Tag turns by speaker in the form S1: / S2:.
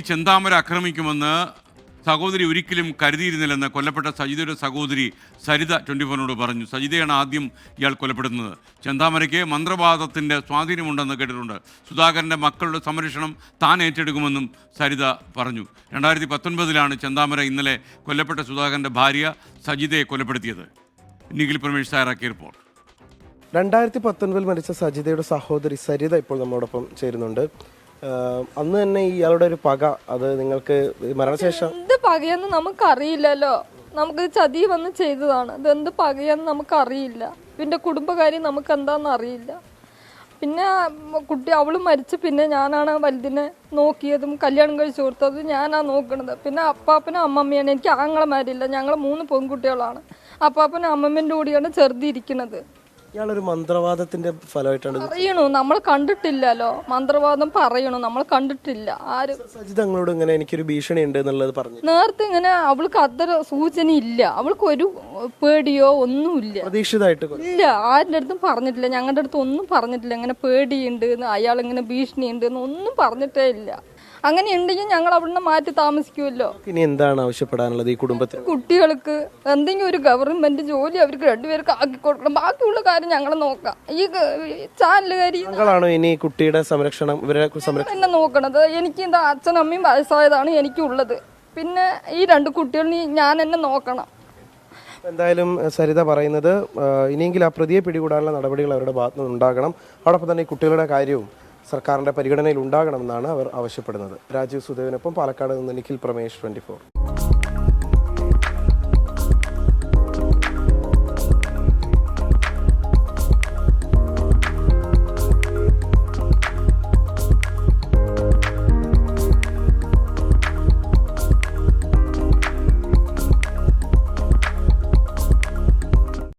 S1: ചെന്താമര ആക്രമിക്കുമെന്ന് സഹോദരി ഒരിക്കലും കരുതിയിരുന്നില്ലെന്ന് കൊല്ലപ്പെട്ട സജിതയുടെ സഹോദരി സരിത 24 പറഞ്ഞു. സജിതയാണ് ആദ്യം ഇയാൾ കൊലപ്പെടുന്നത്. ചെന്താമരയ്ക്ക് മന്ത്രവാദത്തിൻ്റെ സ്വാധീനമുണ്ടെന്ന് കേട്ടിട്ടുണ്ട്. സുധാകരൻ്റെ മക്കളുടെ സംരക്ഷണം താൻ ഏറ്റെടുക്കുമെന്നും സരിത പറഞ്ഞു. 2019 ചെന്താമര ഇന്നലെ കൊല്ലപ്പെട്ട സുധാകരൻ്റെ ഭാര്യ സജിതയെ കൊലപ്പെടുത്തിയത്. നിഖിൽ പ്രമേഷ് തയ്യാറാക്കിയ റിപ്പോർട്ട്.
S2: 2019 മരിച്ച സജിതയുടെ സഹോദരി സരിത ഇപ്പോൾ നമ്മോടൊപ്പം ചേരുന്നുണ്ട്. അന്ന് തന്നെ ഇയാളുടെ ഒരു പക, അത് നിങ്ങൾക്ക് മരണശേഷം
S3: എന്ത് പകയെന്ന് നമുക്കറിയില്ലല്ലോ. നമുക്ക് ചതി വന്ന് ചെയ്തതാണ്. ഇതെന്ത് പകയെന്ന് നമുക്കറിയില്ല. പിന്നെ കുടുംബകാര്യം നമുക്ക് എന്താണെന്ന് അറിയില്ല. പിന്നെ കുട്ടി അവൾ മരിച്ച് പിന്നെ ഞാനാണ് വലുതിനെ നോക്കിയതും കല്യാണം കഴിച്ചു കൊടുത്തതും ഞാനാണ് നോക്കണത്. പിന്നെ അപ്പാപ്പനും അമ്മമ്മയാണ്. എനിക്ക് ആങ്ങളമാരില്ല. ഞങ്ങൾ 3 പെൺകുട്ടികളാണ്. അപ്പാപ്പനും അമ്മമ്മേൻ്റെ കൂടിയാണ് ചെറുതിരിക്കുന്നത്.
S2: ഇയാളൊരു മന്ത്രവാദത്തിന്റെ ഫലമായിട്ടാണ്
S3: പറയണു. നമ്മൾ കണ്ടിട്ടില്ലല്ലോ. മന്ത്രവാദം പറയണു, നമ്മൾ കണ്ടിട്ടില്ല. ആരും
S2: സജിത ഞങ്ങളോട് ഇങ്ങനെ എനിക്കൊരു ഭീഷണി ഉണ്ട് എന്നുള്ളത് പറഞ്ഞു.
S3: നേരത്തെ ഇങ്ങനെ അവൾക്ക് അത്ര സൂചന ഇല്ല. അവൾക്ക് ഒരു പേടിയോ ഒന്നുമില്ല.
S2: പ്രതീക്ഷിതമായിട്ട്
S3: ഇല്ല, ആരുടെ അടുത്തും പറഞ്ഞിട്ടില്ല. ഞങ്ങളുടെ അടുത്ത് ഒന്നും പറഞ്ഞിട്ടില്ല. ഇങ്ങനെ പേടിയുണ്ട് എന്ന്, അയാൾ ഇങ്ങനെ ഭീഷണി ഉണ്ട് എന്ന് ഒന്നും പറഞ്ഞിട്ടേ ഇല്ല. അങ്ങനെ ഉണ്ടെങ്കിൽ ഞങ്ങൾ അവിടുന്ന് മാറ്റി താമസിക്കുമല്ലോ.
S2: ഇനി എന്താണ് ആവശ്യപ്പെടാനുള്ളത് ഈ കുടുംബത്തിൽ?
S3: കുട്ടികൾക്ക് എന്തെങ്കിലും ഒരു ഗവൺമെന്റ് ജോലി അവർക്ക് 2 പേർക്ക് ആക്കി കൊടുക്കണം. ബാക്കിയുള്ള കാര്യം ഞങ്ങൾ നോക്കാം. ഈ ചാനലുകാരി
S2: ഞങ്ങളാണോ ഇനി കുട്ടിയുടെ സംരക്ഷണം, ഇവരെ സംരക്ഷണം
S3: എന്നെ നോക്കണത്? എനിക്ക് എന്താ അച്ഛനമ്മയും വയസ്സായതാണ് എനിക്കുള്ളത്. പിന്നെ ഈ 2 കുട്ടികളെ ഞാൻ എന്നെ നോക്കണം.
S2: എന്തായാലും സരിത പറയുന്നത് ഇനിയെങ്കിലും ആ പ്രതിയെ പിടികൂടാനുള്ള നടപടികൾ അവരുടെ ഭാഗത്തു നിന്ന് ഉണ്ടാകണം. അതോടൊപ്പം തന്നെ ഈ കുട്ടികളുടെ കാര്യവും സർക്കാരിൻ്റെ പരിഗണനയിൽ ഉണ്ടാകണമെന്നാണ് അവർ ആവശ്യപ്പെടുന്നത്. രാജീവ് സുദേവിനൊപ്പം പാലക്കാട് നിന്ന് നിഖിൽ പ്രമേഷ്, 24.